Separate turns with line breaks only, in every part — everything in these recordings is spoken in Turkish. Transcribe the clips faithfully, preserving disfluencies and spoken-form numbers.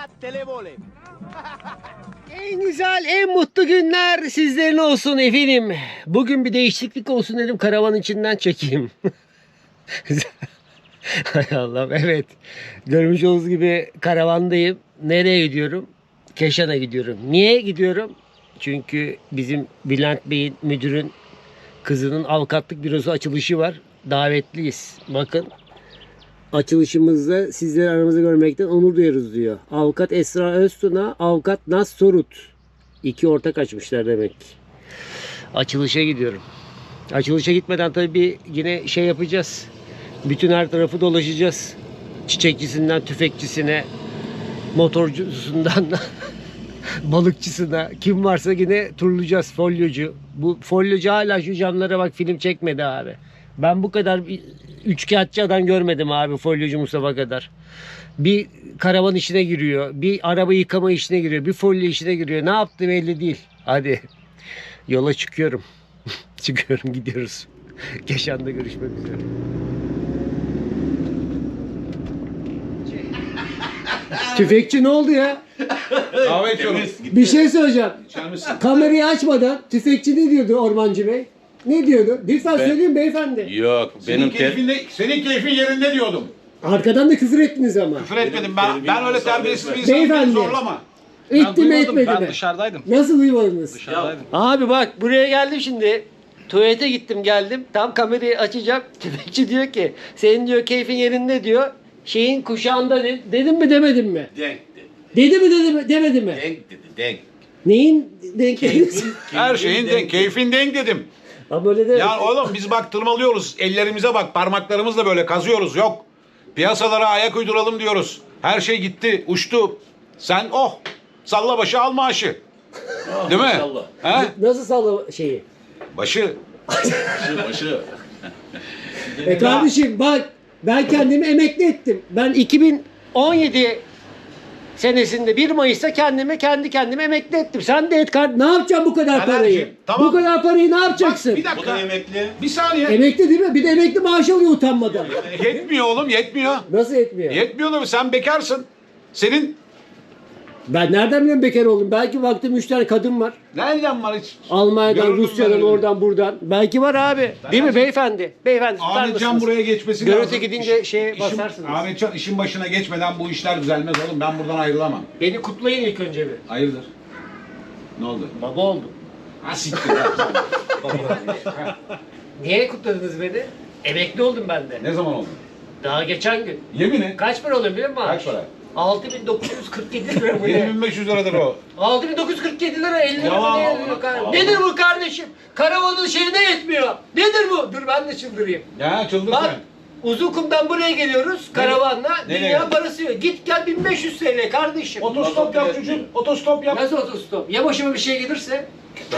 televole.
En güzel, en mutlu günler sizlerin olsun efendim. Bugün bir değişiklik olsun dedim, karavan içinden çekeyim. Hay Allah'ım, evet. Görmüş olduğunuz gibi karavandayım. Nereye gidiyorum? Keşan'a gidiyorum. Niye gidiyorum? Çünkü bizim Bülent Bey'in, müdürün kızının avukatlık bürosu açılışı var. Davetliyiz. Bakın. Açılışımızda sizleri aramızda görmekten onur duyarız diyor. Avukat Esra Öztuna, avukat Naz Sorut. İki ortak açmışlar demek. Açılışa gidiyorum. Açılışa gitmeden tabii bir yine şey yapacağız. Bütün her tarafı dolaşacağız. Çiçekçisinden tüfekçisine, motorcusundan balıkçısına, kim varsa yine turlayacağız. Folyocu. Bu folyocu hala şu camlara bak, film çekmedi abi. Ben bu kadar bir üçkağıtçı adam görmedim abi, folyocu Mustafa kadar. Bir karavan işine giriyor, bir araba yıkama işine giriyor, bir folyo işine giriyor. Ne yaptı belli değil. Hadi yola çıkıyorum. Çıkıyorum, gidiyoruz. Keşan'da görüşmek üzere. Tüfekçi ne oldu ya?
Kahve içiyorum.
Bir şey söyleyeceğim.
İçer misin?
Kamerayı açmadan tüfekçi ne diyordu Ormancı Bey? Ne diyordu? Lütfen
Ben-
söyleyin beyefendi.
Yok
Senin
benim ter...
keyfin, de, senin keyfin yerinde diyordum.
Arkadan da küfür ettiniz ama.
Küfür etmedim ben.
terbiyemi
Ben öyle
müsaade
terbiyesiz bir
etmez.
insanım. Beni
Beyefendi.
zorlama.
Etti mi etmedi
Ben
mi?
dışarıdaydım.
Nasıl duymadınız?
Dışarıdaydım.
Abi bak, buraya geldim şimdi. Tuvalete gittim geldim. Tam kamerayı açacağım. Tüfekçi diyor ki senin diyor keyfin yerinde diyor. Şeyin kuşağında de- dedim mi demedim mi?
Denk dedi.
Dedi mi dedi mi demedi mi?
Denk dedi. Denk.
Neyin denk dediniz?
Her şeyin denk, keyfin denk dedim.
Ha böyle de.
Ya oğlum biz bak tırmalıyoruz. Ellerimize bak, parmaklarımızla böyle kazıyoruz. Yok. Piyasalara ayak uyduralım diyoruz. Her şey gitti, uçtu. Sen oh, salla başı al maaşı. Değil mi?
İnşallah.
He?
Nasıl salla şeyi?
Başı.
Başı başı.
E kardeşim bak, ben kendimi emekli ettim. Ben iki bin on yedi senesinde bir Mayıs'ta kendimi kendi kendime emekli ettim. Sen de et kart. Ne yapacaksın bu kadar
Taner'cim,
parayı?
tamam.
Bu kadar parayı ne
Bak
yapacaksın?
bir
Bu da
dakika.
emekli.
Bir saniye.
Emekli değil mi? Bir de emekli maaş alıyor utanmadan.
Yetmiyor oğlum, yetmiyor.
Nasıl etmiyor?
Yetmiyor da sen bekarsın. Senin
Ben nereden biliyorum bekar oldum? Belki vaktim üç tane kadın var.
nereden var hiç?
Almanya'dan,
Görürdüm
Rusya'dan,
ben öyle.
oradan, buradan. Belki var abi. Değil mi beyefendi? Beyefendi tutar
Ahmetcan
mısınız?
buraya geçmesi
Görüntü
lazım.
gidince
İş-
şeye
işin-
basarsınız.
Ahmetcan işin başına geçmeden bu işler düzelmez oğlum. Ben buradan ayrılamam.
Beni kutlayın ilk önce bir.
Hayırdır? Ne oldu?
Baba oldum.
Ha siktir ya.
Niye kutladınız beni? Emekli oldum ben de.
Ne zaman oldu?
Daha geçen gün.
Yemin et.
Kaç para oluyor biliyor musun?
Kaç para?
altı bin dokuz yüz kırk yedi lira bu
yedi
ne?
bin beş yüz liradır o.
altı bin dokuz yüz kırk yedi lira elli lira
Yalan,
mı ne
yalan,
yazıyor kardeşim?
yalan.
Nedir bu kardeşim? Karavanın şeyine yetmiyor. Nedir bu? Dur ben de çıldırayım.
Ya çıldır
Bak
sen.
Uzunkum'dan buraya geliyoruz karavanla.
Nereye
Dünya
gidiyorsun?
parası yok. Git gel bin beş yüz T L kardeşim.
Otostop yap çocuğum. Otostop yap.
Nasıl otostop? Ya başıma bir şey gelirse?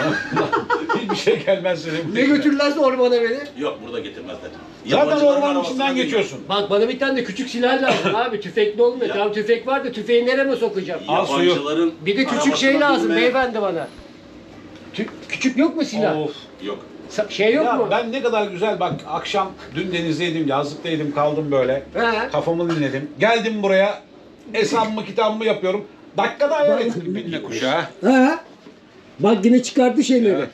Hiçbir şey gelmez senin.
Ne götürürlerse ormana beni?
Yok burada getirmezler.
Zaten
Yabancıların
ormanın
arabasına
içinden
bin.
geçiyorsun.
Bak bana bir tane de küçük silah lazım abi. Tüfekli olmuyor. Tamam tüfek var da tüfeği nereme sokacağım?
Al suyu.
Yabancıların
Bir de küçük
arabasına
şey lazım
binme.
beyefendi bana. Tü- küçük yok mu silah?
Of.
Yok.
Sa- şey yok
Ya
mu?
ben ne kadar güzel bak akşam dün denizdeydim, yazlıktaydım, kaldım böyle.
He.
Kafamı dinledim. Geldim buraya. Hesabımı kitabımı yapıyorum. Dakikada ayar ettim binle kuşağı.
Ha? Bak yine çıkarttı şeyleri.
Evet.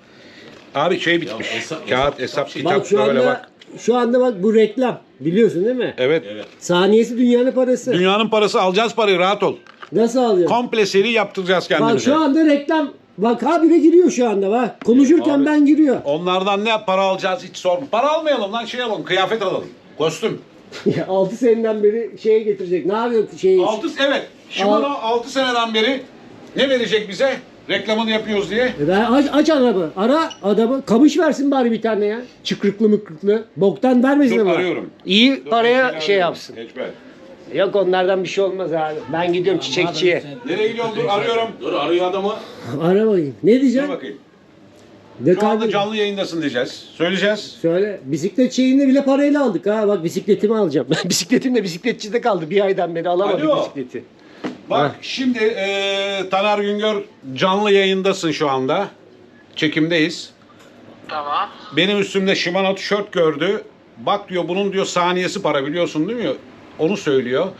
Abi şey bitmiş.
Ya hesap-
Kağıt,
hesap-
hesap,
hesap-
kitap
Bak şu
böyle
anda
bak.
şu anda bak bu reklam. Biliyorsun değil mi?
Evet.
Evet.
Saniyesi dünyanın parası.
Dünyanın parası, alacağız parayı, rahat ol.
Nasıl alıyorsun?
Komple seri yaptıracağız
Bak
kendimize.
şu anda reklam. Bak habire giriyor şu anda bak. Konuşurken
Abi.
ben giriyor.
Onlardan ne para alacağız hiç sorma. Para almayalım lan, şey alalım, kıyafet alalım. Kostüm.
altı seneden beri şeye getirecek. Ne yapıyor şey?
altı evet. Shimano altı seneden beri ne verecek bize? Reklamını yapıyoruz diye.
E ben aç, aç araba. Ara adamı. Kamış versin bari bir tane ya. Çıkrıklı mıkrıklı. Boktan vermesin
Dur,
ama.
arıyorum.
İyi
Dur,
paraya
ben seni
şey
arıyorum.
yapsın.
Geçme.
Yok onlardan bir şey olmaz abi. Ben gidiyorum çiçekçiye.
Nereye gidiyorsun? Dur arıyorum.
Dur arıyor adamı.
Ara bakayım. Ne
Dur
diyeceğim?
bakayım.
De
Şu anda
kardeşim.
canlı yayındasın diyeceğiz. Söyleyeceğiz.
Söyle. Bisiklet şeyini bile parayla aldık ha. Bak bisikletimi alacağım. Bisikletim de bisikletçide kaldı. Bir aydan beri alamadım
Alo.
bisikleti.
Bak
Ha.
şimdi eee Taner Güngör canlı yayındasın şu anda. Çekimdeyiz.
Tamam.
Benim üstümde Shimano tişört gördü. Bak diyor bunun diyor saniyesi para biliyorsun değil mi? Onu söylüyor.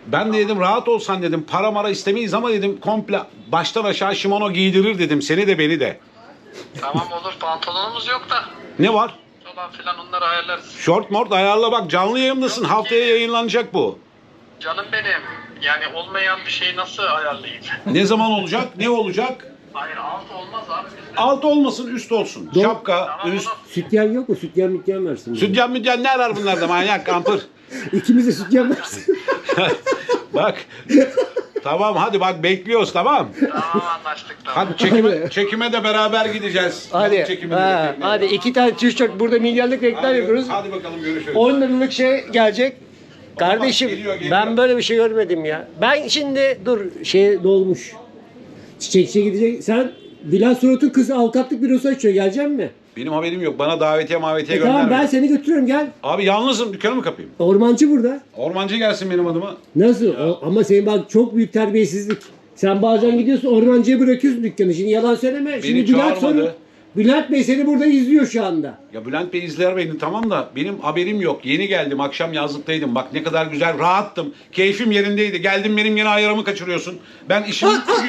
Ben de dedim rahat olsan dedim. Para mara istemeyiz ama dedim komple baştan aşağı şimono giydirir dedim. Seni de beni de.
Tamam olur, pantolonumuz yok da
Ne var?
falan filan onları ayarlarız.
Short mort ayarla bak, canlı yayındasın. Haftaya yayınlanacak bu.
Canım benim, yani olmayan bir şeyi nasıl ayarlayayım?
Ne zaman olacak? Ne olacak?
Hayır, alt olmaz abi bizde.
Alt olmasın, üst olsun.
Doğru.
Şapka,
Tamam,
üst.
onu-
Sütyen yok mu? Sütyen mütyen versin. bize.
Sütyen mütyen ne arar bunlarda manyak kampır.
İkimiz de sütyen versin.
Bak. Tamam hadi bak bekliyoruz tamam.
Tamam anlaştık tamam.
Hadi çekime,
Hadi.
çekime de beraber gideceğiz.
Hadi.
Çekime de
Ha,
bekleyelim.
hadi iki tane tişört burada milyarlık reklam
Hadi,
yapıyoruz.
hadi bakalım görüşürüz.
on liralık şey gelecek. Kardeşim
geliyor, geliyor.
ben böyle bir şey görmedim ya. Ben şimdi dur şey dolmuş. Çiçekçiye gidecek. Sen Dilan Surat'ın kızı avukatlık bürosu açıyor. Gelecek mi?
Benim haberim yok. Bana davetiye mavetiye
E
gönderme.
tamam ben seni götürüyorum gel.
Abi yalnızım, dükkanı mı kapayım?
Ormancı burada.
Ormancı gelsin benim adıma.
Nasıl? O- ama senin bak çok büyük terbiyesizlik. Sen bazen gidiyorsun ormancıya bırakıyorsun dükkanı. Şimdi yalan söyleme. Şimdi Bülent
çağırmadı.
Sorun. Bülent Bey seni burada izliyor şu anda.
Ya Bülent Bey izler beni tamam da benim haberim yok. Yeni geldim, akşam yazlıktaydım. Bak ne kadar güzel, rahattım. Keyfim yerindeydi. Geldim benim yine ayarımı kaçırıyorsun. Ben işim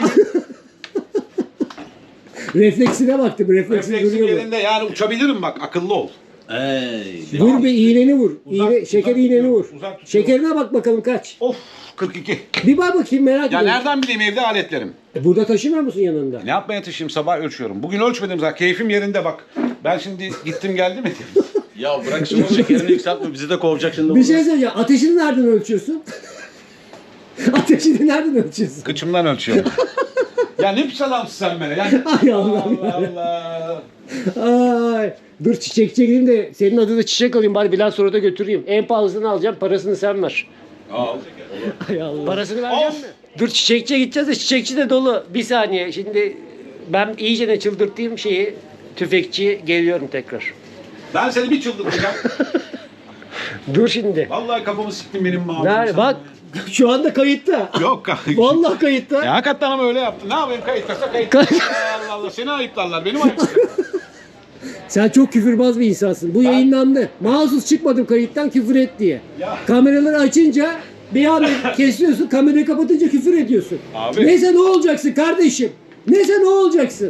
Refleksine baktım. Refleksi
refleksim
duruyor mu?
yerinde. Yani uçabilirim bak, akıllı ol.
Ey.
Vur bir iğneni vur.
Uzak-
İğne, şeker
uzak
iğneni
tutuyorum,
vur.
uzak tutuyorum.
Şekerine bak bakalım kaç.
Of kırk iki.
Bir bak bakayım merak
Ya
ediyorum.
nereden bileyim evde aletlerim?
E, burada taşımıyor musun yanında?
Ne yapmaya taşıyayım, sabah ölçüyorum. Bugün ölçmedim zaten, keyfim yerinde bak. Ben şimdi gittim geldim mi?
Ya bırak şimdi şekerini yükseltme, bizi de kovacak şimdi.
Bir şey söyleyeceğim. Ateşini nereden ölçüyorsun? Ateşini nereden ölçüyorsun?
Kıçımdan ölçüyorum. Ya ne pis adamsın sen bana. Yani...
Ay Allah
Allah Allah.
Ay. Dur çiçekçiye gideyim de senin adına çiçek alayım bari Bülent Sorot'a götüreyim. En pahalısını alacağım parasını sen ver.
Al.
Ay Allah. Parasını vereceğim
Of.
mi? Dur çiçekçiye gideceğiz de çiçekçi de dolu. Bir saniye şimdi ben iyice ne çıldırttığım şeyi tüfekçi geliyorum tekrar.
Ben seni bir çıldırtacağım.
Dur şimdi.
Vallahi kafamı siktin benim mamam.
Nerede? Bak şu anda kayıtta.
Yok kanka.
Vallahi kayıtta.
Ya hakikaten ama öyle yaptın. Ne yapayım, kayıtlasa kayıt.
Kay-
Allah Allah, seni ayıplarlar, benim ayıplarlar.
Sen çok küfürbaz bir insansın. Bu yayınlandı. Mahsus çıkmadım kayıttan küfür et diye.
Ya.
Kameraları açınca bir anda kesiyorsun, kamerayı kapatınca küfür ediyorsun.
Abi.
Neyse ne olacaksın kardeşim? Neyse ne olacaksın?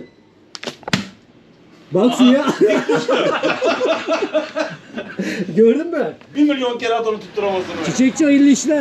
Bak suya. Gördün mü?
Bir milyon kere at onu tutturamazsın. öyle.
Çiçekçi hayırlı işler.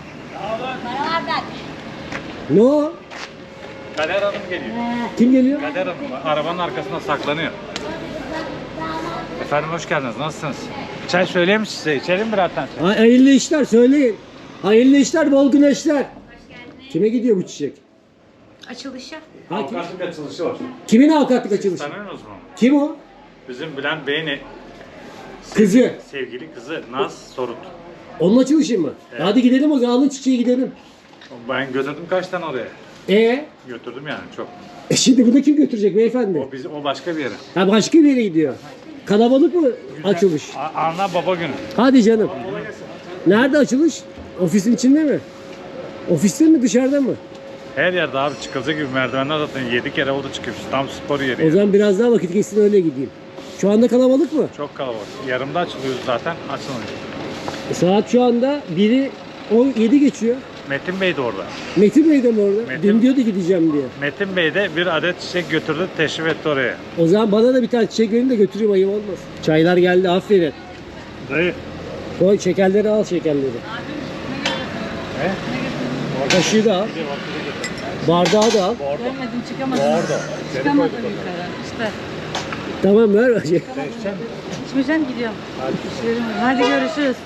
Ne o?
Kader Hanım geliyor.
Kim geliyor?
Kader Hanım arabanın arkasında saklanıyor. Efendim hoş geldiniz. Nasılsınız? Çay söyleyeyim mi size? İçelim birer tane.
Hay- Hayırlı işler söyleyin. Hayırlı işler, bol güneşler. Kime gidiyor bu çiçek?
Açılışı.
Ha, kim-
Avukatlık açılışı var.
kimin avukatlık açılışı?
Tanıyorsunuz mu?
Kim o?
Bizim Bülent Bey'in e-
Kızı.
sevgili kızı Naz Sorut.
Onun açılışı mı? Hadi gidelim o zaman alın çiçeği gidelim.
Ben götürdüm kaç tane oraya.
E,
Götürdüm yani çok.
e şimdi bunu kim götürecek beyefendi?
O bizi o başka bir yere.
Ha başka bir yere gidiyor. Kalabalık mı açılış?
A- Ana baba günü.
Hadi canım. Nerede açılış? Ofisin içinde mi? Ofiste mi dışarıda mı?
Her yerde abi çıkılacak gibi merdivenler zaten yedi kere oldu çıkıyoruz. Tam spor yeri.
O
yani.
zaman biraz daha vakit geçsin öyle gideyim. Şu anda kalabalık mı?
Çok kalabalık. Yarımda açılıyoruz zaten. Açılmıyor.
E, saat şu anda biri on yedi geçiyor.
Metin Bey de orada.
Metin Bey de mi orada?
Metin-
Dün diyordu gideceğim diye.
Metin Bey de bir adet çiçek götürdü, teşrif etti oraya.
O zaman bana da bir tane çiçek verin de götüreyim ayıp olmaz. Çaylar geldi aferin.
Dayı.
Koy şekerleri al şekerleri.
Ne?
Kaşığı da al. Bardağı da al.
Görmedim çıkamadım. Orada. Çıkamadım yukarı. İşte.
Tamam ver.
İçmeyeceğim gidiyorum. İşlerim var. Hadi görüşürüz.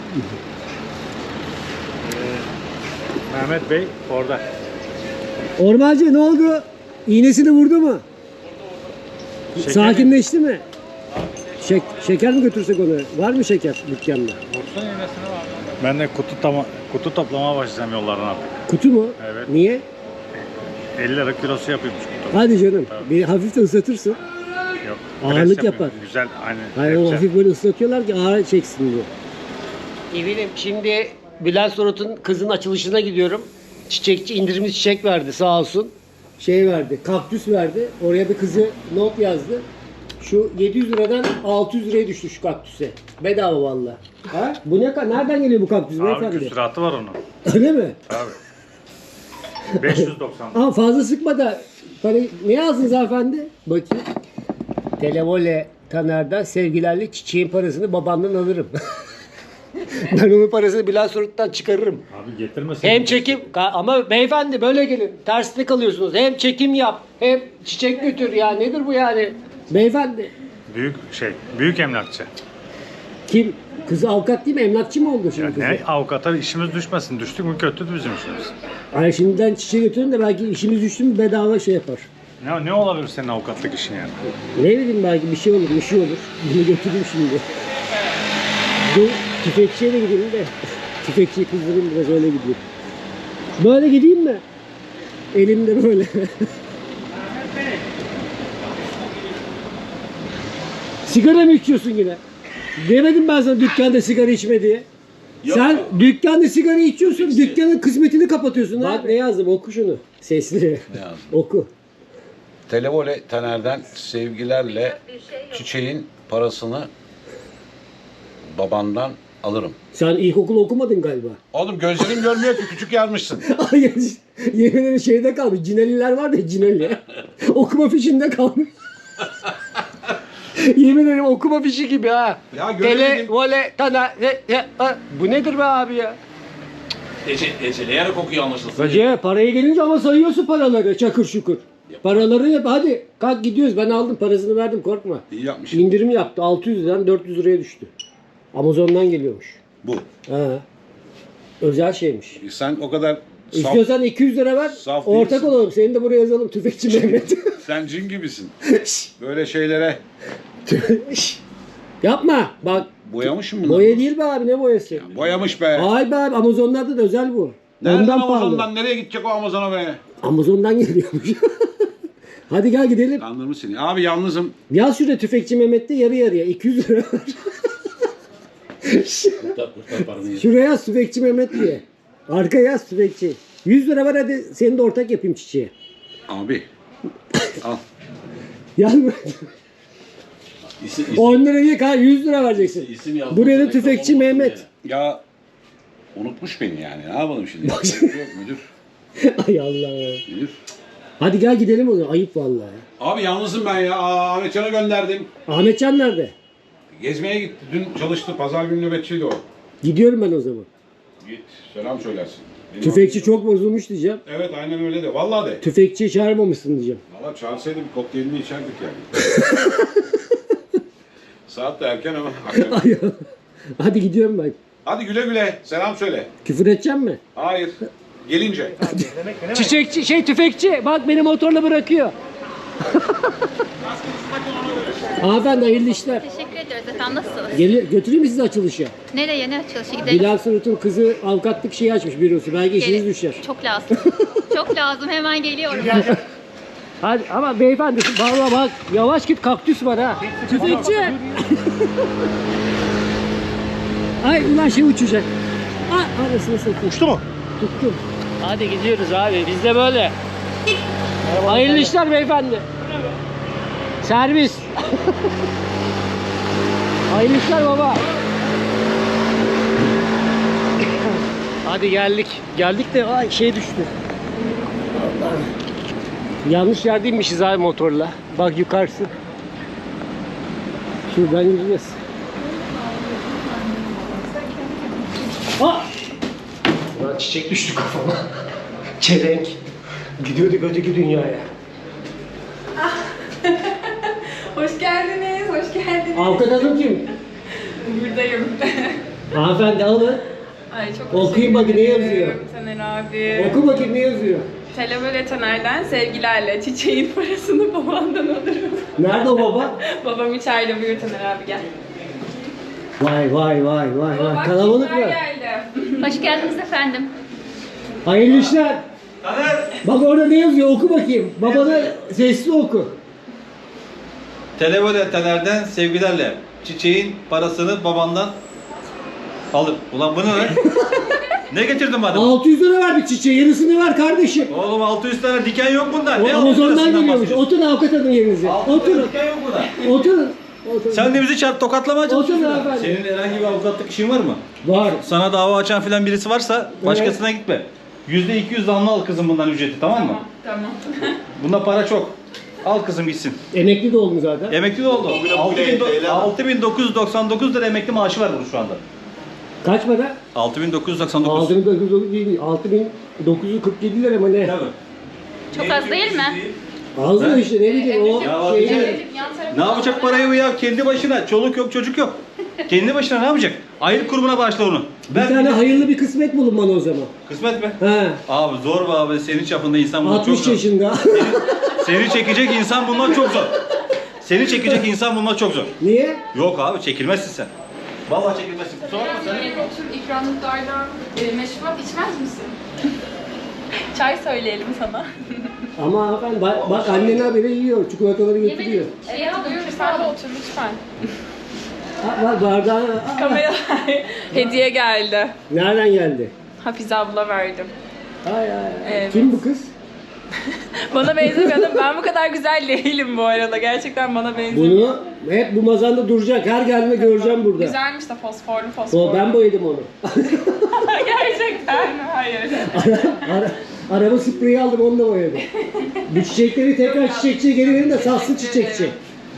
Mehmet Bey orada.
Ormancı ne oldu? İğnesini vurdu mu?
Şeker
Sakinleşti mi? Şek şeker mi götürsek onu? Var mı şeker dükkanda?
Vursun iğnesini var. Ben de kutu, tama, kutu toplamaya başlayacağım yollardan artık.
Kutu mu?
Evet.
Niye?
elli lira kilosu yapıyormuş kutu.
Hadi canım. Bir hafif de ıslatırsın.
Yok.
Ağırlık
pres yapıyor.
yapar.
Güzel hani.
Hayır o
güzel.
hafif böyle ıslatıyorlar ki ağır çeksin diye. Evinim şimdi Bülent Sorot'un kızın açılışına gidiyorum. Çiçekçi indirimli çiçek verdi sağ olsun. Şey verdi, kaktüs verdi. Oraya bir kızı not yazdı. Şu yedi yüz liradan altı yüz liraya düştü şu kaktüse. Bedava valla. Ha? Bu ne kadar? Nereden geliyor bu kaktüs
Abi
beyefendi?
küsuratı var onun.
Öyle mi?
Abi. beş yüz doksan.
Ama fazla sıkma da. Hani ne yazdınız hanımefendi? Bakayım. Televole Taner'den sevgilerle çiçeğin parasını babamdan alırım. Ben onun parasını Bilal Sorut'tan çıkarırım.
Abi getirmesin.
Hem çekim ama beyefendi böyle gelin. Tersine kalıyorsunuz. Hem çekim yap hem çiçek götür ya. Nedir bu yani? Beyefendi.
Büyük şey, büyük emlakçı.
Kim? Kızı avukat değil mi? Emlakçı mı oldu şimdi
Ya
kızı?
ne avukata işimiz düşmesin. Düştük mü kötü bizim işimiz.
Ay şimdiden çiçeği götürün de belki işimiz düştü mü bedava şey yapar.
Ne, ne olabilir senin avukatlık işin yani?
Ne bileyim belki bir şey olur, bir şey olur. Bunu götüreyim şimdi. Bu tüfekçiye de gideyim de. Tüfekçiyi kızdırayım biraz öyle gideyim. Böyle gideyim mi? Elimde böyle. Sigara mı içiyorsun yine? Demedim ben sana dükkanda sigara içme diye.
Yok.
Sen dükkanda sigara içiyorsun, dükkanın kısmetini kapatıyorsun. Bak ne yazdım, oku şunu. Sesli.
Ne yazdım?
Oku.
Televole Taner'den sevgilerle çiçeğin parasını babandan alırım.
Sen ilkokul okumadın galiba.
Oğlum gözlerim görmüyor ki küçük yazmışsın.
Hayır, yemin ederim şeyde kalmış. Cineliler var ya Cineli. Okuma fişinde kalmış. Yemin ederim okuma fişi gibi ha.
Ya göremedim.
Tele, vole, tana, re, re, ha. Bu nedir be abi ya?
Ece, eceleyerek okuyor anlaşılsın.
Bacı paraya gelince ama sayıyorsun paraları çakır şukur. Paraları hep hadi kalk gidiyoruz. Ben aldım parasını verdim korkma.
İyi yapmışsın.
İndirim yaptı. altı yüz liradan dört yüz liraya düştü. Amazon'dan geliyormuş.
Bu.
Ha. Özel şeymiş.
Sen o kadar saf,
İstiyorsan iki yüz lira ver.
saf
Ortak
değilsin.
olalım. Seni de buraya yazalım. Tüfekçi Mehmet.
sen cin gibisin. Böyle şeylere
Yapma. Bak
boyamışım bunu.
boya değil be abi ne boyası?
Boyamış be.
Ay be abi Amazon'larda da özel bu.
Nereden
Ondan
Amazon'dan
pahalı.
nereye gidecek o Amazon'a be?
Amazon'dan geliyormuş. Hadi gel gidelim.
Kandırmış seni. Abi yalnızım.
Yaz şurada Tüfekçi Mehmet'te yarı yarıya iki yüz lira var.
Kurtar, kurtar paranı.
Şuraya yaz Tüfekçi Mehmet diye. Arkaya yaz Tüfekçi. yüz lira var hadi seni de ortak yapayım çiçeğe.
Abi. Al.
Yazma.
İsim, isim,
on lira ye kal yüz lira vereceksin.
isim yazdım.
Buraya da
Reklam
Tüfekçi
olmasın
Mehmet.
diye.
Ya unutmuş beni yani. Ne yapalım şimdi? Yok müdür.
Ay Allah.
Müdür.
Hadi gel gidelim o zaman. Ayıp vallahi.
Abi yalnızım ben ya. Aa, Ahmetcan'a gönderdim.
Ahmetcan nerede?
Gezmeye gitti. Dün çalıştı. Pazar günü nöbetçiydi o.
Gidiyorum ben o zaman.
Git. Selam söylersin. Benim
Tüfekçi
aklım-
çok bozulmuş diyeceğim.
Evet aynen öyle de. Vallahi de.
Tüfekçiyi çağırmamışsın diyeceğim.
Valla çağırsaydı bir kokteylini içerdik yani. Saat de erken ama. akşam.
Ay, hadi gidiyorum ben.
Hadi güle güle. Selam söyle.
Küfür edeceğim mi?
Hayır. Gelince.
Çiçekçi şey tüfekçi bak beni motorla bırakıyor. Hanımefendi hayırlı işler.
Teşekkür ediyoruz efendim. Nasılsınız?
Gel, götüreyim mi sizi açılışa?
Nereye ne açılışı gidelim?
Bilal Surut'un kızı avukatlık şeyi açmış bürosu. Belki işiniz
Gelin.
düşer.
Çok lazım. Çok lazım. Hemen geliyorum.
Hadi ama beyefendi vallahi bak yavaş git kaktüs var ha. Tüfekçi. Ay ulan şey uçacak. Ay arasını satayım.
Uçtu mu?
Tuttum. Hadi gidiyoruz abi biz de böyle. Hayırlı işler beyefendi. Servis. Hayırlı işler baba. Hadi geldik. Geldik de ay şey düştü. Allah. Yanlış yerdeymişiz abi motorla. Bak yukarısı. Şuradan yürüyeceğiz. Aa! Lan çiçek düştü kafama. Çelenk. Gidiyorduk öteki dünyaya.
Hoş geldiniz, hoş geldiniz.
Avukat hanım kim?
Buradayım.
Hanımefendi alın.
Ay çok
Okuyun
teşekkür
bakayım, ne
ederim
yazıyor?
Taner abi.
Oku bakayım ne yazıyor.
Televole Taner'den sevgilerle çiçeğin parasını babandan alırım.
Nerede o baba?
Babam içeride, buyur Taner abi gel.
Vay vay vay vay vay.
Bak,
Kalabalık
kimler
mı?
geldi.
Hoş geldiniz efendim.
Hayırlı işler. Bak orada ne yazıyor oku bakayım. Babana sesli oku.
Televole Taner'den sevgilerle çiçeğin parasını babandan alır. Ulan bu ne lan? Ne getirdin bana?
altı yüz lira verdik çiçeğe. Yarısını ver kardeşim.
Oğlum altı yüz tane diken yok bunda.
O
Ne
Amazon'dan
altı yüzünden
geliyormuş.
bahsediyorsun?
Oturun avukat alın yerinize.
altı yüz
Oturun.
diken yok burada.
Oturun. Oturun.
Sen de bizi çarp tokatlamaya çalışıyorsun.
Oturun
ya.
efendim.
Senin herhangi bir avukatlık işin var mı?
Var.
Sana dava açan filan birisi varsa başkasına gitme. yüzde iki yüz damla al kızım bundan ücreti, tamam mı?
Tamam.
Bunda para çok. Al kızım gitsin.
Emekli de oldum zaten.
Emekli de oldu. altı bin dokuz yüz doksan dokuz lira emekli maaşı var bunun şu anda.
Kaç para?
altı bin dokuz yüz doksan dokuz.
altı bin dokuz yüz dokuz değil, altı bin dokuz yüz kırk yedi lira mı ne?
Tabii.
Çok az değil mi?
Az mı
Ne?
işte ne bileyim o
Ya
şey.
abi, Ne yapacak parayı bu ya? Kendi başına. Çoluk yok, çocuk yok. Kendi başına ne yapacak? Ayrı kurumuna bağışla onu.
Bir tane hayırlı bir kısmet bulun bana o zaman.
Kısmet mi?
He.
Abi zor be abi. Senin çapında insan bundan çok
altmış
zor.
yaşında.
Seni çekecek insan bundan çok zor. Seni çekecek insan bundan çok zor.
Niye?
Yok abi çekilmezsin sen. Vallahi çekilmezsin. Kusura bakma sen.
Yeni otur ikramlıklardan e, meşrubat içmez misin? Çay söyleyelim sana.
Ama hanımefendi bak, bak annen haberi yiyor. Çikolataları getiriyor.
Evet, buyur sen de otur lütfen.
Ha, bak bardağı. Aa,
Kamera hediye geldi.
nereden geldi?
Hafize abla verdim.
Ay ay ay.
Evet.
Kim bu kız?
Bana benzemiyor. Ben bu kadar güzel değilim bu arada. Gerçekten bana benzemiyor.
Bunu hep bu mazanda duracak. Her geldiğinde göreceğim burada.
Güzelmiş de fosforlu fosforlu.
O ben boyadım onu.
Gerçekten mi? Hayır.
Ara, araba spreyi aldım onu da boyadım. Bu çiçekleri tekrar çiçekçiye geri verin de satsın çiçekçi.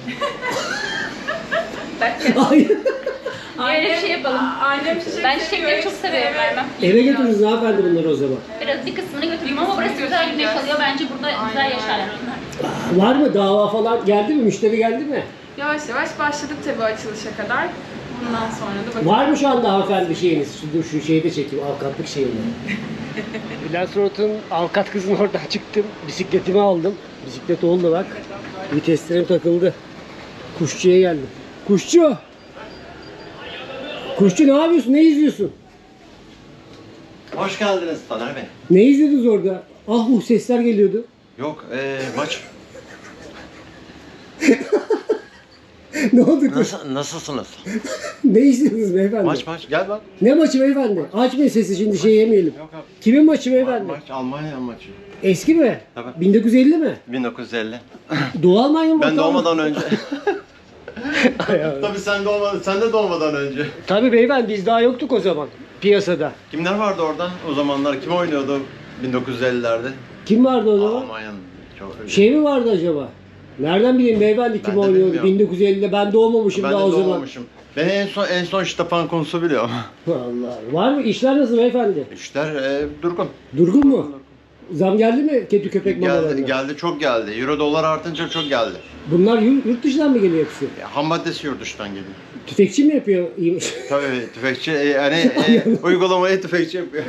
Hayır.
Öyle bir şey yapalım.
Annem çiçek
Ben çiçekleri çok severim vermem.
Eve götürürüz hanımefendi bunları o zaman.
Biraz bir kısmını götüreyim ama burası güzel güneş alıyor. Bence burada güzel yaşarlar onlar.
Var mı dava falan geldi mi? Müşteri geldi mi?
Yavaş yavaş başladık tabii açılışa kadar. Bundan sonra da bakalım.
Var mı şu anda hanımefendi şeyiniz? Şu, şu şeyde çekeyim, avukatlık şeyini. Bülent Suat'ın avukat kızın oradan çıktım. Bisikletimi aldım. Bisiklet oldu bak. Viteslerim takıldı. Kuşçuya geldim. Kuşçu! Kuşçu ne yapıyorsun? Ne izliyorsun?
Hoş geldiniz Taner Bey.
Ne izlediniz orada? Ah uh sesler geliyordu.
Yok, ee, maç.
Ne oldu kız?
Nasıl, nasılsınız?
Ne izlediniz beyefendi?
Maç maç, gel bak.
Ne maçı beyefendi? Açmayın sesi şimdi şey yemeyelim.
Yok abi.
Kimin maçı
Ma-
beyefendi?
maç Almanya maçı.
Eski mi?
Tabii.
bin dokuz yüz elli mi?
bin dokuz yüz elli.
Doğu Almanya mı?
Ben
Batı Almanya?
doğmadan önce.
Ay, ay.
Tabii sen doğmadan, sen de doğmadan önce.
Tabii beyefendi biz daha yoktuk o zaman piyasada.
Kimler vardı orada o zamanlar? Kim oynuyordu bin dokuz yüz ellilerde?
Kim vardı o zaman?
Almanya'nın. Çok
Şey mi vardı acaba? Nereden bileyim beyefendi kim
Ben de
oynuyordu?
bilmiyorum.
bin dokuz yüz ellide ben doğmamışım
Ben de
daha o zaman.
doğmamışım. Ben en son en son Stefan Kuntz'u biliyorum.
Vallahi. Var mı? İşler nasıl beyefendi?
İşler e, durgun.
Durgun mu? Zam geldi mi kedi köpek mamalarına?
Geldi, geldi çok geldi. Euro dolar artınca çok geldi.
Bunlar yurt, yurt dışından mı geliyor hepsi?
Ya, ham maddesi yurt dışından geliyor.
Tüfekçi mi yapıyor?
Tabii tüfekçi e, yani e, uygulamayı tüfekçi yapıyor.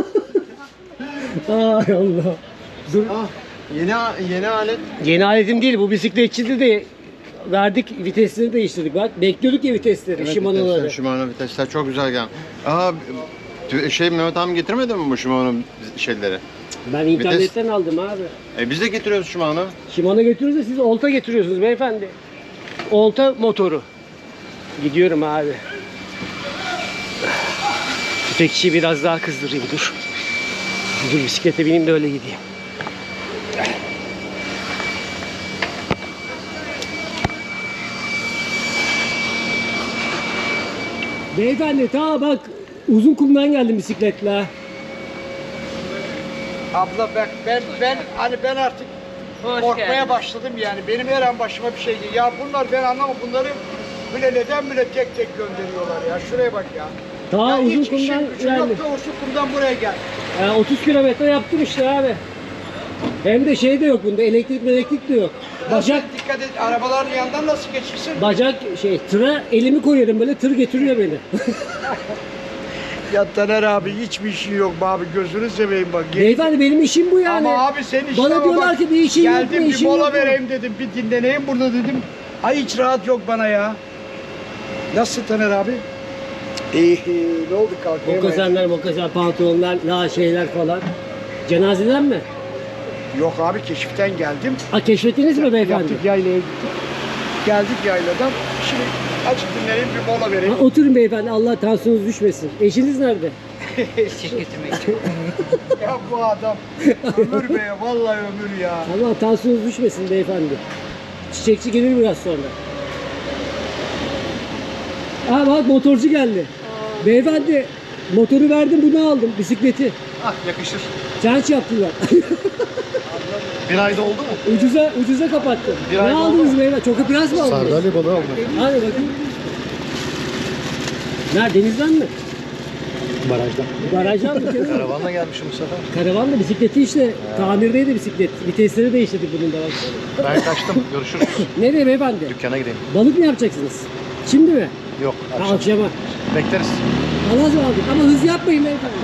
Ay Allah. Dur.
Ah, yeni yeni alet.
Yeni aletim değil bu bisikletçide de verdik vitesleri değiştirdik bak. Bekliyorduk ya vitesleri
Evet,
Shimano'ları.
vitesler, Shimano vitesler çok güzel geldi. Aa tü- şey Mehmet abi getirmedi mi bu Shimano şeyleri?
Ben internetten aldım abi.
E biz de getiriyoruz Shimano.
Shimano götürürüz de siz olta getiriyorsunuz beyefendi. Olta motoru. Gidiyorum abi. Tüfekçiyi biraz daha kızdırayım dur. Dur bisiklete bineyim de öyle gideyim. Beyefendi ta bak uzun kumdan geldim bisikletle.
Abla ben ben ben hani ben artık
Hoş
korkmaya
geldin.
başladım yani. Benim her an başıma bir şey geliyor. Ya bunlar ben anlamam bunları bile neden bile tek tek gönderiyorlar ya. Şuraya bak ya.
Ta
ya
uzun
hiç işim
kumdan
gücüm yok
geldim.
da uzun kumdan buraya gel.
Yani otuz kilometre yaptım işte abi. Hem de şey de yok bunda elektrik elektrik de yok.
Nasıl
Bacak
dikkat et arabaların yanından nasıl geçirsin?
bacak şey tıra elimi koyuyorum böyle tır getiriyor beni.
Ya Taner abi hiçbir işin yok be abi gözünü seveyim bak.
Beyefendi benim işim bu yani.
Ama abi senin işine
Bana
bak.
diyorlar ki bir işin yok mu,
Geldim bir
işin
mola
yok mu?
vereyim dedim bir dinleneyim burada dedim. Ay hiç rahat yok bana ya. Nasıl Taner abi? İyi ne oldu kalkayım?
Mokasenler, mokasen pantolonlar, la şeyler falan. Cenazeden mi?
Yok abi keşiften geldim.
Ha keşfettiniz mi beyefendi?
Yaptık yaylaya gittik. Geldik yayladan. Şimdi açık dinleneyim bir mola vereyim.
Ha, oturun beyefendi Allah tansiyonunuz düşmesin. Eşiniz nerede?
Ya bu adam ömür be, vallahi ömür ya.
Ama tansiyonunuz düşmesin beyefendi. Çiçekçi gelir biraz sonra. Aa bak motorcu geldi. Beyefendi motoru verdim, bunu aldım, bisikleti.
Ah yakışır.
Çarç yaptılar.
Bir ayda oldu mu?
ucuza ucuza kapattım.
Bir
Ne
ay oldu
aldınız
mu?
beyefendi? Çok biraz mı aldınız?
Sardalya balığı aldım.
Hadi bakayım. Nerede, denizden mi?
Barajdan.
Barajdan mı? Karavan.
Karavanla gelmişim bu sefer.
Karavanla bisikleti işte. Tamirdeydi bisiklet. Vitesleri değiştirdik bunun da bak.
Ben kaçtım. Görüşürüz.
Nereye beyefendi?
Dükkana gideyim.
Balık mı yapacaksınız? Şimdi mi?
Yok.
Ha,
Akşam.
akşama.
Bekleriz.
Allah'a ısmarladık ama hız yapmayın beyefendi.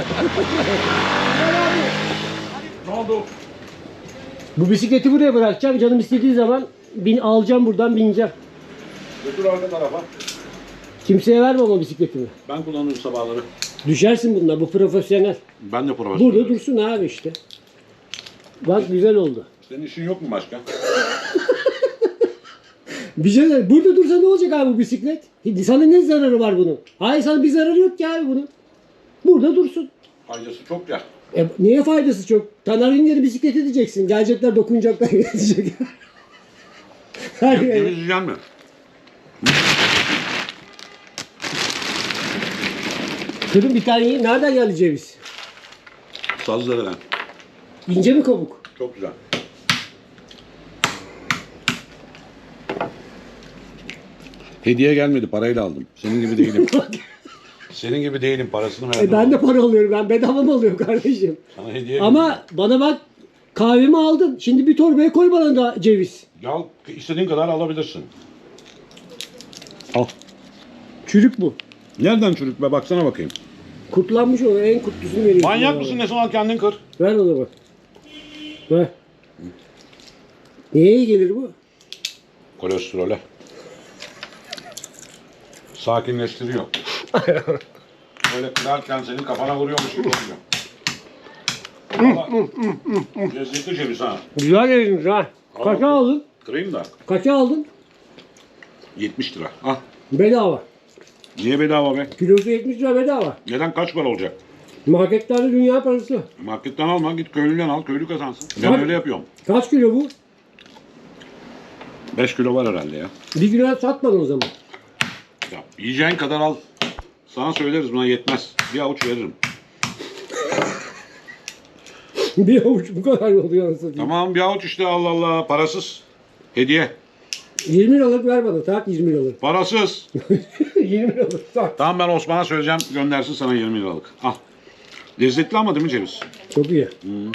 Ne oldu?
Bu bisikleti buraya bırakacağım. Canım istediği zaman bin, alacağım buradan, bineceğim.
Götür arka tarafa.
Kimseye vermem o bisikletimi.
Ben kullanırım sabahları.
Düşersin bunlar. Bu profesyonel.
Ben de profesyonel.
Burada dursun abi işte. Bak güzel oldu.
Senin işin yok mu başka?
Bir şey söyleyeyim. Burada dursa ne olacak abi bu bisiklet? Sana ne zararı var bunun? Hayır, sana bir zararı yok ki abi bunun. Burada dursun.
Faydası çok ya.
E, neye faydası çok? Taner Ünger'i bisiklet edeceksin. Gelecekler, dokunacaklar, gelecek. Her
Ceviz
yere.
yiyecek mi?
Kırın bir tane yiyin. Nereden geldi ceviz?
Sazlarından.
İnce mi kabuk?
Çok güzel. Hediye gelmedi, parayla aldım. Senin gibi değilim. Senin gibi değilim, parasını verdim.
E, ben de para alıyorum. Ben bedava mı alıyorum kardeşim?
Sana hediye
Ama bana bak, kahvemi aldın. Şimdi bir torbaya koy bana da ceviz.
Ya istediğin kadar alabilirsin. Al.
Çürük bu.
Nereden çürük be, baksana bakayım.
Kurtlanmış o. En kurtlusunu veriyorsun.
Manyak
bana.
mısın, ne al kendin kır.
Ver onu bak. Ver. Neye iyi gelir bu?
Kolesterole. Sakinleştiriyor. Böyle kırarken senin kafana vuruyormuş gibi oluyor. Valla lezzetli ceviz ha.
Güzel dediniz ha. Kaça aldın?
Kırayım da.
Kaça aldın?
yetmiş lira. Ah.
Bedava.
Niye bedava be?
Kilosu yetmiş lira bedava.
Neden, kaç para olacak?
Marketlerde dünya parası.
Marketten alma, git köylüden al, köylü kazansın. Ben
Tabii.
öyle yapıyorum.
Kaç kilo bu?
beş kilo var herhalde ya.
Bir kilo satmadın o zaman.
Ya yiyeceğin kadar al. Sana söyleriz, buna yetmez. Bir avuç veririm.
Bir avuç bu kadar oluyor anasını.
Tamam, bir avuç işte, Allah Allah. Parasız. Hediye.
yirmi liralık ver bana. Tak yirmi liralık.
Parasız.
yirmi liralık tak.
Tamam, ben Osman'a söyleyeceğim, göndersin sana yirmi liralık. Al. Lezzetli ama değil mi ceviz?
Çok iyi.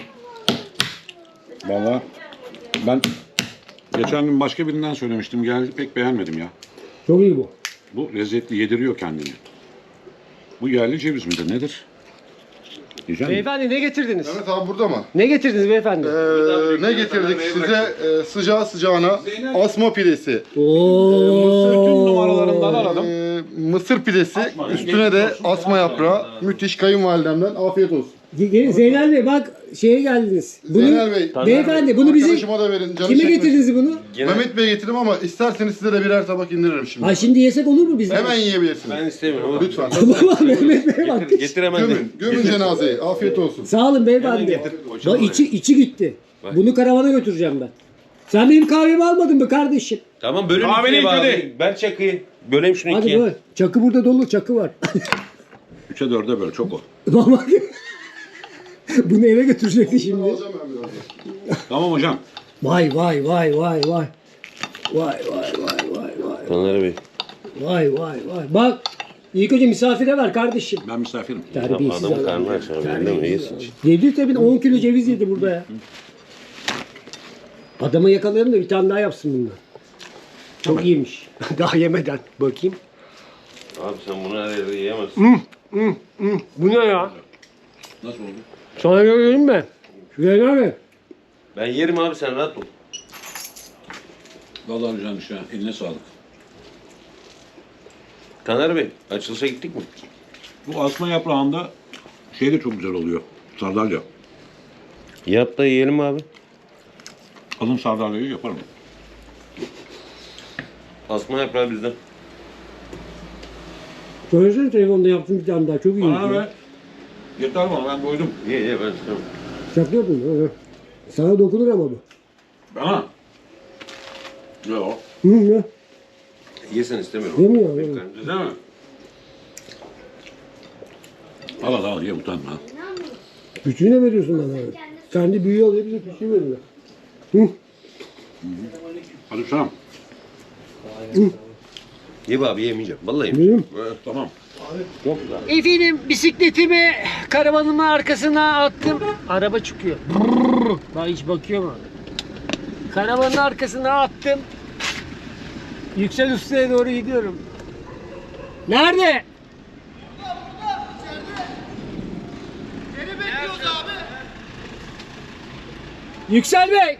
Vallahi ben geçen gün başka birinden söylemiştim. Geldi, pek beğenmedim ya.
Çok iyi bu.
Bu lezzetli, yediriyor kendini. Bu yerli ceviz midir, nedir? Yiyecek misin?
Beyefendi ne getirdiniz?
Mehmet abi burada mı?
Ne getirdiniz beyefendi?
Ee, ne getirdik size? Ee, sıcağı sıcağına asma pidesi.
Oo.
Bütün numaralarından aradım.
Ee, mısır pidesi. Üstüne de asma yaprağı. Müthiş, kayınvalidemden afiyet olsun.
Ge- Zeynel Bey bak, şeye geldiniz. Bunu,
Zeynel Bey,
beyefendi bunu bizim
arkadaşıma da verin. Canı
kime
çekmesin.
getirdiniz bunu?
Mehmet Bey getirdim ama isterseniz size de birer tabak indiririm şimdi.
Ha şimdi yesek olur mu biz?
Hemen yiyebilirsiniz.
Ben istemiyorum.
Lütfen.
Baba Mehmet Bey bak.
Getir hemen.
Gömün, gömün cenazeyi. Afiyet olsun.
Sağ olun beyefendi.
Hemen getir,
Bak
koçalım
içi, içi gitti. Bunu karavana götüreceğim ben. Sen benim kahvemi almadın mı kardeşim?
Tamam, bölün
Kahveni
ikiye
hadi.
abi. Ben çakıyı. Böleyim şunu
Hadi
ikiye.
böyle. Çakı burada dolu, çakı var.
Üçe dörde böl, çok o.
Bak. Bunu eve götürecekti şimdi.
Alacağım ben birazdan.
Tamam hocam.
Vay vay vay vay vay. Vay vay vay vay vay.
Taner Bey.
Vay vay vay. Bak. İlk önce misafire ver kardeşim.
Ben misafirim.
Terbiyesiz
Adamın
adam.
karnı aç abi. Öyle mi? İyisin.
Yedi tabii on kilo ceviz yedi burada ya. Adamı yakalayalım da bir tane daha yapsın bundan. Çok iyiymiş. Daha yemeden. Bakayım.
Abi sen bunu her yerde yiyemezsin.
Bu ne ya?
Nasıl oldu?
Sana görüyorum mi? Şuraya abi.
Ben yerim abi, sen rahat ol.
Vallahi güzelmiş ya. Eline sağlık.
Taner Bey, açılışa gittik mi?
Bu asma yaprağında şey de çok güzel oluyor. Sardalya.
Yap da yiyelim abi.
Alın sardalyayı yaparım.
Asma yaprağı bizden.
Söylesene telefonda yaptım bir tane daha. Çok iyi.
Bana ver. Yeter bana ben doydum.
Ye ye ben istemem.
Şaka yapıyorsun. Sana dokunur ama bu.
Bana. Yok.
Hı ne?
Yesen istemiyorum.
Yemiyor, yemiyor.
Bekler.
Değil mi? Al al al ye utanma.
Küçüğüne veriyorsun bana. Kendi büyüğü alıyor bize küçüğü veriyor. Hı.
Hadi Hüsam.
Ye be abi yemeyeceğim. Vallahi
Benim.
yemeyeceğim.
Tamam.
Çok güzel.
Efendim bisikletimi karavanımın arkasına attım. Araba çıkıyor. Brrr. Bak hiç bakıyor mu? Karavanın arkasına attım. Yüksel Usta'ya doğru gidiyorum. Nerede? Seni bekliyoruz abi. Yüksel Bey.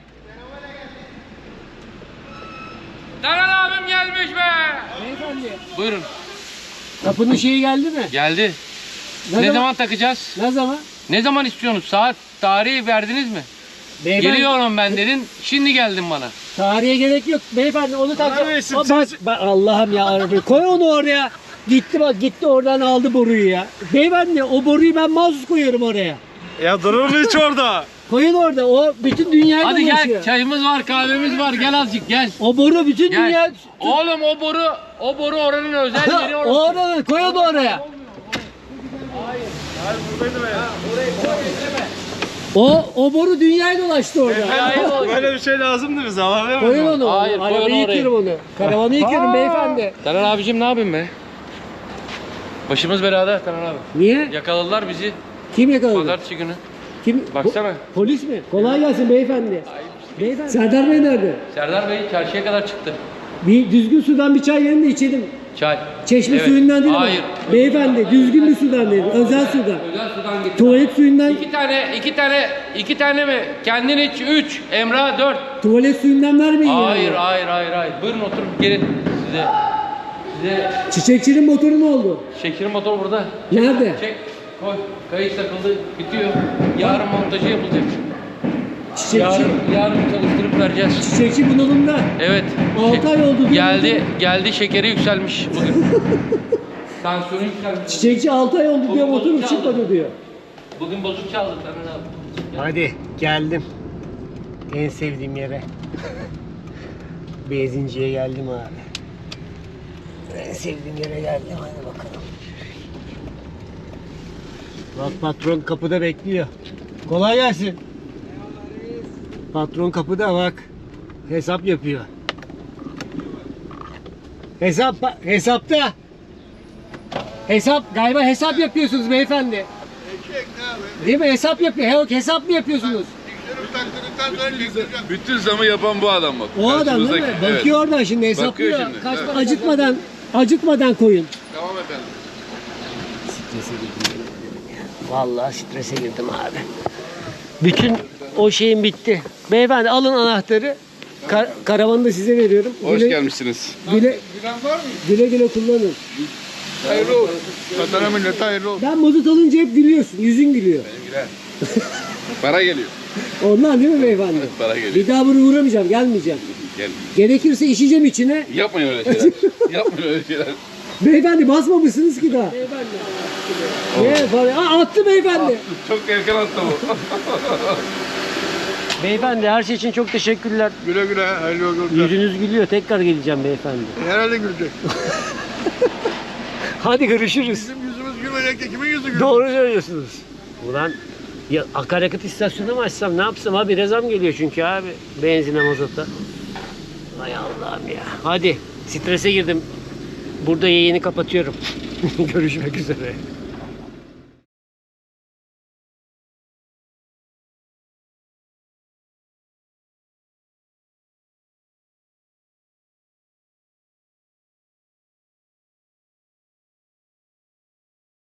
Taner abim gelmiş be.
Beyefendi.
Buyurun.
Kapının şeyi geldi mi?
Geldi.
Ne,
Ne
zaman?
zaman takacağız?
Ne zaman?
Ne zaman istiyorsunuz? Saat, tarihi verdiniz mi?
Beyefendi,
Geliyorum ben dedin. Şimdi geldin bana.
tarihe gerek yok beyefendi onu takacağım. O bak, bak Allah'ım ya arabayı koy onu oraya. Gitti bak gitti oradan aldı boruyu ya. Beyefendi o boruyu ben mahsus koyuyorum oraya.
Ya durur mu hiç orada?
Koyun orada o bütün dünyayı
Hadi
dolaşıyor.
gel. Çayımız var, kahvemiz var. Gel azıcık gel.
O boru bütün
Gel.
dünya.
Oğlum o boru, o boru oranın özel yeri orası.
Orada koy onu oraya. O o boru dünyayı dolaştı orada.
Böyle bir şey lazımdı bize ama
Koyun onu.
Hayır, koy onu
Arabayı
oraya.
yıkıyorum onu. Karavanı yıkıyorum beyefendi.
Taner abicim ne yapayım be? Başımız belada Taner abi.
Niye?
Yakaladılar bizi
Kim yakaladı?
pazartesi günü.
Kim?
Baksana.
Po- polis mi? Kolay gelsin beyefendi. Beyefendi. Serdar Bey nerede?
Serdar Bey çarşıya kadar çıktı.
Bir düzgün sudan bir çay verin de içelim.
Çay.
Çeşme
Evet.
suyundan değil
Hayır.
ama. Beyefendi düzgün bir sudan verin. Özel sudan.
Özel sudan getir.
Tuvalet suyundan,
İki tane, iki tane, iki tane mi? Kendin iç, üç. Emrah, dört.
tuvalet suyundan vermeyin
Hayır,
yani.
hayır, hayır, hayır. Buyurun oturun, gelin. Size, size
Çiçekçinin motoru ne oldu?
şekerin motor burada.
Nerede?
Çek, koy. Kayış takıldı, bitiyor. Yarın montajı yapılacak.
Çiçekçi,
Yarın, yarın çalıştırıp vereceğiz.
çiçekçi bunalımda.
Evet.
Altı
Şey-
ay oldu diyor.
Geldi, geldi şekeri yükselmiş bugün. Tansiyonu yükselmiş.
Çiçekçi altı ay oldu diyor
Bugün
motorum
bozuk çaldı.
çıkmadı diyor.
Bugün bozuk çaldı Taner abi.
Hadi geldim. En sevdiğim yere. Benzinciye geldim abi. En sevdiğim yere geldim hadi bakalım. Bak patron kapıda bekliyor. Kolay gelsin. Patron kapıda bak. Hesap yapıyor. Hesap hesapta. Hesap galiba hesap yapıyorsunuz beyefendi. Değil mi? Hesap yapıyor. He, hesap mı yapıyorsunuz?
Bütün zamı yapan bu adam bak.
O adam değil mi?
Karşımızdaki,
Bakıyor oradan şimdi hesaplıyor.
Bakıyor şimdi,
Kaç
evet.
para- acıtmadan acıtmadan koyun.
Tamam efendim.
Strese girdim. Vallahi strese girdim abi. Bütün o şeyim bitti. Beyefendi alın anahtarı. Kar- karavanı da size veriyorum.
Hoş
Güle-
gelmişsiniz.
Güle, güle güle kullanın.
Hayırlı olsun. Vatana millet hayırlı olsun.
Ben mazot alınca hep gülüyorsun. Yüzün gülüyor.
Güzel. Para geliyor.
Ondan değil mi beyefendi?
Para geliyor.
Bir daha buraya uğramayacağım. Gelmeyeceğim.
Gel.
Gerekirse işeceğim içine.
Yapmayın öyle şeyler. Yapmayın öyle şeyler.
Beyefendi basmamışsınız ki daha. Beyefendi. Ne falan. Aa, attı beyefendi.
Çok erken attı bu.
Beyefendi her şey için çok teşekkürler.
Güle güle. Hayırlı yolculuklar.
Yüzünüz gülüyor. Tekrar geleceğim beyefendi.
Herhalde gülecek.
Hadi görüşürüz.
Bizim yüzümüz gülmeyecek de kimin yüzü gülecek?
Doğru söylüyorsunuz. Ulan ya akaryakıt istasyonu mu açsam ne yapsam abi rezam geliyor çünkü abi benzine mazota. Hay Allah'ım ya. Hadi strese girdim. Burada yayını kapatıyorum. Görüşmek üzere.